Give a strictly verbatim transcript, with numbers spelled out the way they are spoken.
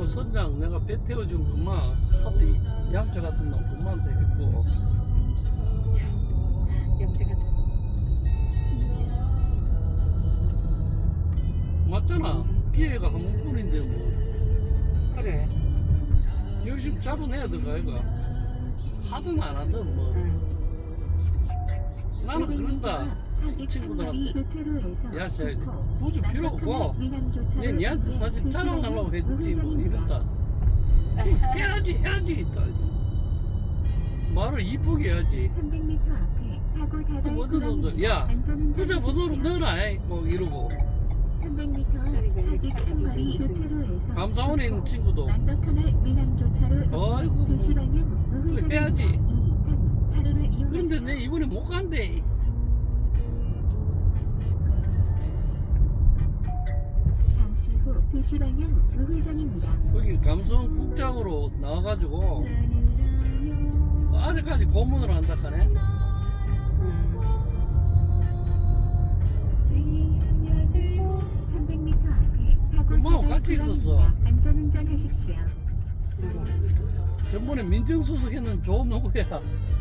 그 선장 내가 배 태워준 그만 카드 양자 같은 놈 그만한테 했고 영재 같은. 맞잖아. 기회가 한 번뿐인데 뭐 그래. 열심히 잡아내야 될 거 아이가. 하든 안 하든 뭐 응. 나는 그런다. 친구들한테 야 씨, 굳이 필요 없고 얘 니한테 사실 자랑하려고 했지 뭐 이런다. 해야지 해야지 있다. 말을 이쁘게 해야지. 삼백 미터 앞에 사고 다발 뭐든 놈들 야 투자 번호로 넣어라 이. 뭐 이러고 삼백 미터 사직 삼거리 교차로에서 감사원에 있는 친구도 남덕터널 미남 교차로 아이고, 뭐. 두 시 방향 우회전입니다. 해야지. 이, 삼 차로를 이용하세요. 그런데 내 이번에 못 간대. 잠시 후 두 시 방향 우회전입니다. 거기 감성 국장으로 나와가지고 아직까지 고문을 한다 하네. 삼백 미터 앞에 사고 엄마하고 다발 같이 있었어. 구간입니다. 안전운전 하십시오. 전번에 민정수석 했는 조 누구야?